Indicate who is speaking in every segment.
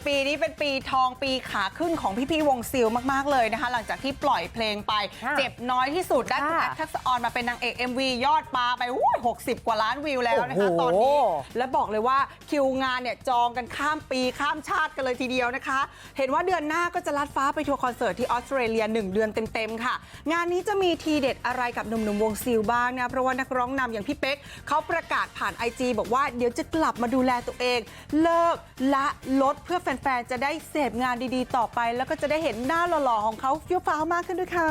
Speaker 1: ปีนี้เป็นปีทองปีขาขึ้นของพี่ๆวงซิลมากๆเลยนะคะหลังจากที่ปล่อยเพลงไปเจ็บน้อยที่สุดได้คุณแอฟทักษะออนมาเป็นนางเอก MV ยอดปาไป60 กว่าล้านวิวแล้วนะคะตอนนี้และบอกเลยว่าคิวงานเนี่ยจองกันข้ามปีข้ามชาติกันเลยทีเดียวนะคะเห็นว่าเดือนหน้าก็จะลัดฟ้าไปทัวร์คอนเสิร์ตที่ออสเตรเลีย1 เดือนเต็มๆค่ะงานนี้จะมีทีเด็ดอะไรกับหนุ่มๆวงซิลบ้างนะเพราะว่านักร้องนำอย่างพี่เป๊กเขาประกาศผ่าน IG บอกว่าเดี๋ยวจะกลับมาดูแลตัวเองเลิกละลดเพื่อแฟนๆจะได้เสพงานดีๆต่อไปแล้วก็จะได้เห็นหน้าหล่อๆของเขาเฟี้ยวฟ้าวมากขึ้นด้วยค่ะ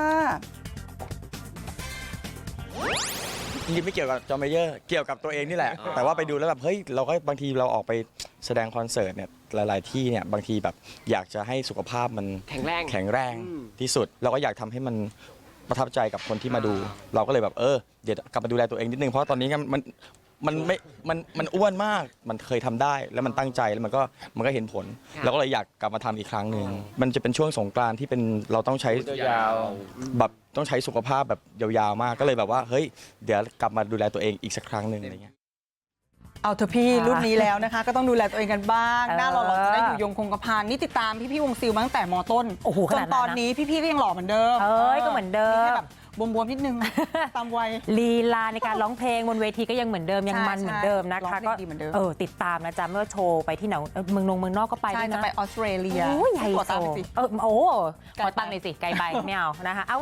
Speaker 2: จริงๆไม่เกี่ยวกับจอห์นเมเยอร์เกี่ยวกับตัวเองนี่แหละแต่ว่าไปดูแล้วแบบเฮ้ยเราก็บางทีเราออกไปแสดงคอนเสิร์ตเนี่ยหลายๆที่เนี่ยบางทีแบบอยากจะให้สุขภาพมันแข็งแรงที่สุดเราก็อยากทำให้มันประทับใจกับคนที่มาดู เราก็เลยแบบเดี๋ยวกลับมาดูแลตัวเองนิดนึงเพราะตอนนี้มันอ้วนมากมันเคยทำได้แล้วมันตั้งใจแล้วมันก็เห็นผลเราก็เลยอยากกลับมาทำอีกครั้งหนึ่งมันจะเป็นช่วงสงกรานต์ที่เป็นเราต้องใช้ยาวแบบต้องใช้สุขภาพแบบยาวๆมากก็เลยแบบว่าเฮ้ยเดี๋ยวกลับมาดูแลตัวเองอีกสักครั้งหนึ่งอะไรเงี้ย
Speaker 1: เอาเถอะพี่รุ่นนี้แล้วนะคะก็ต้องดูแลตัวเองกันบ้างหน้าหล่อๆจะได้อยู่ยงคงกระพันนี่ติดตามพี่ๆวงซิลมาตั้งแต่ม.ต้นจนตอนนี้พี่ๆก็ยังหล่อเหมือนเดิม
Speaker 3: ก็เหมือนเดิม
Speaker 1: แค่แบบบวมๆนิดนึงตามวัย
Speaker 3: ลีลาในการร้องเพลงบนเวทีก็ยังเหมือนเดิมยังมันเหมือนเดิมนะคะก็ติดตามนะจ๊ะเมื่อโชว์ไปที่ไหนเมืองนอกก็ไปด้วยนะ
Speaker 1: จะไปออสเตรเลีย
Speaker 3: ใหญ่โตขอตังค์หน่อยสิไกลไปไม่เอานะคะ